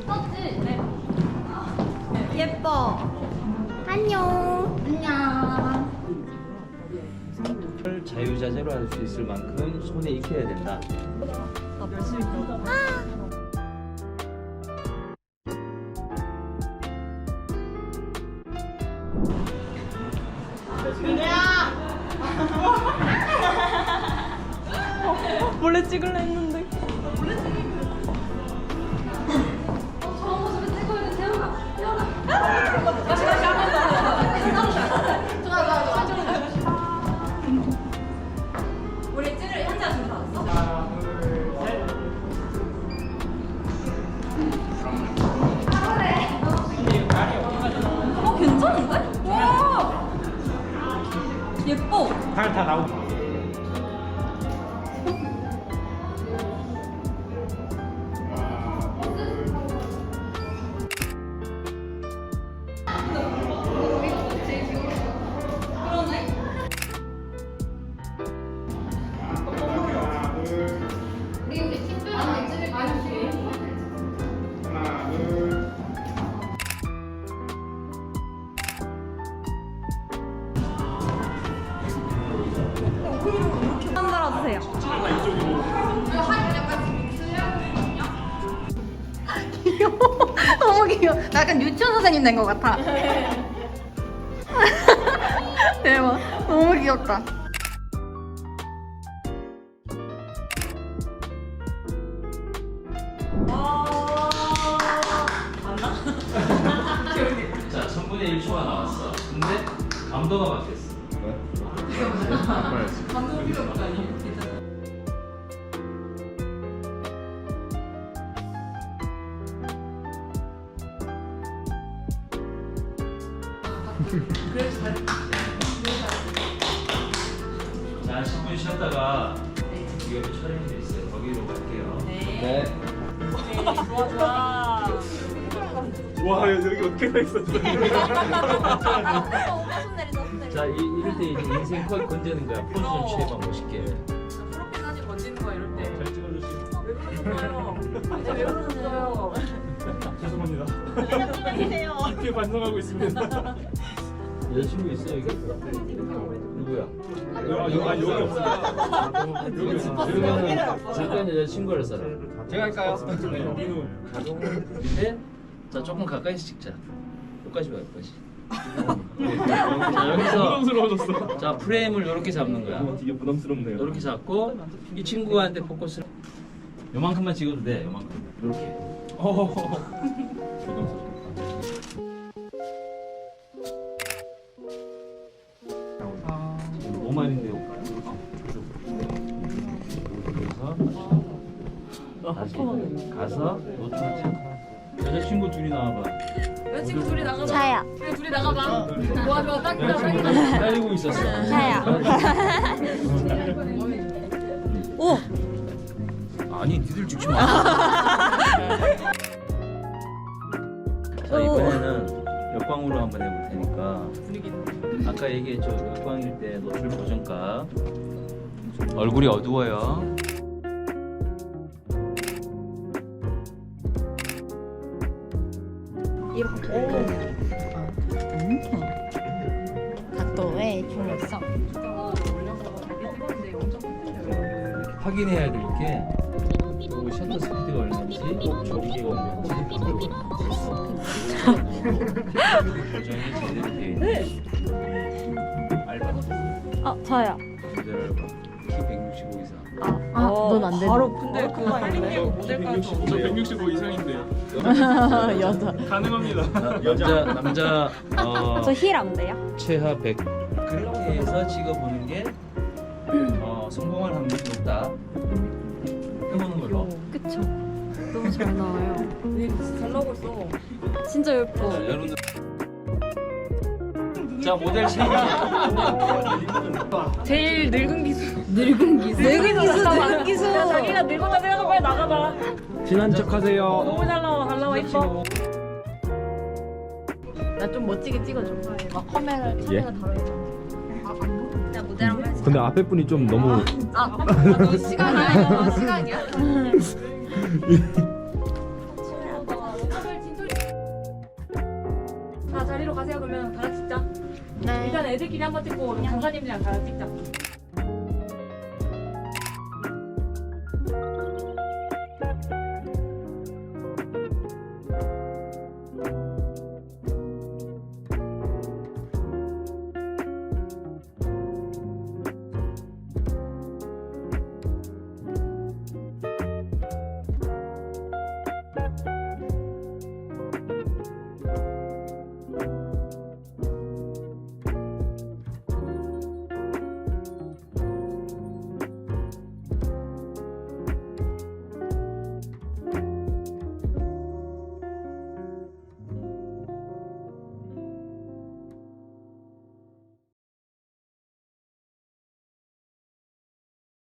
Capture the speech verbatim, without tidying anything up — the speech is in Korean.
떴지? 네. 예뻐. 안녕. 안녕. 자유자재로 할 수 있을 만큼 손에 익혀야 된다. 나 열심히 떴다. 아. 원래 찍을래 했는데. 저런 모습을 찍고 있는 재호가. 재호가. 다시 다시 한 번 더. 좋아 좋아 좋아. 우리 찌를 현재 지금 다 왔어? 어 괜찮은데? 와 예뻐. 팔 다 나오고. 우리 우리 특별한 찌를 많이 해. 만들어주세요. 귀여워. 너무 귀여워. 나 약간 유치원 선생님 된 것 같아. 대박. 너무 귀엽다. 자, 천분의 일 초가 나왔어. 근데 감도가 바뀌었어. 감동 필요 없다니. 자, 십 분 쉬었다가 여기 촬영이 돼 있어요. 거기로 갈게요. 네. 좋아 좋아. 와 여기 어떻게 가 있었어? 자, 이, 이럴 때 이제 인생 컷 건지는 거야. 포즈 좀 취해봐, 멋있게. 프로필 사진 건지는 거야 이럴 때. 잘 찍어주시고. 왜 그러셨어요? 이제 왜 그러셨어요? 죄송합니다. 해주세요. 깊게 반성하고 있습니다. 여자친구 있어, 여기? 누구야? 아 여기 아, 여기 없습니다. 여기 없습니다. 그러면 잠깐 여자친구를 써라. 제가 할까요? 민우. 밑에? 자, 조금 가까이서 찍자. 여기까지 봐, 여기까지. 자, 여기서 부담스러워졌어. 자, 프레임을 이렇게 잡는 거야. 되게 부담스럽네요. 이렇게 잡고 이 친구한테 포커스를 요만큼만 찍어도 돼. 요만큼. 이렇게. 오말인데요. 그래서 다시 가서 노출 체크. 여자친구 둘이 나와봐. 여자친구 둘이 나가봐. 자야. 그래 둘이 나가봐. 좋아 좋아 딱이다 딱이다. 기다리고 있었어. 자야. 오. 아니, 니들 찍지 마. 자, 이번에는 역광으로 한번 해볼 테니까. 아까 얘기했죠. 역광일 때 노출 보정값. 얼굴이 어두워요. 이렇게. 각도의 중요성. 확인해야 될 게 그 셔터 스피드가 얼마인지, 조리개가 얼마인지, 보정이 제대로 되어 있는지. 알바. 어, 저요. 제대로 알바. 키 백육십오 이상. 아, 넌 안 되는. 바로 근데 그거 힐링되고 모델까지 저 백육십오 이상인데 여자. 가능합니다. 남자 남자 어, 저 힐 안 돼요? 최하 백 그렇게 해서 찍어보는 게 어, 성공할 확률이 높다. 해보는 걸로. 그쵸. 너무 잘 나와요. 네, 진짜 잘 나오고 있어. 진짜 예뻐. 자, 여러분들. 자, 모델 신고. 제일 늙은 기수. 늙은 기수. 늙은 기수. 늙은 기수. 야, 자기가 늙었다 생각하고 빨리 나가봐. 친한 척하세요. 너무 잘 나와 잘 나와 이뻐. 나 좀 멋지게 찍어줘. 막 카메라 예? 카메라 다르게. 나 무대랑 해야지. 근데 앞에 분이 좀 너무 아, 너 시간이야? 이거 시간이야? 애들끼리 한번 찍고 강사님들이랑 다 찍자.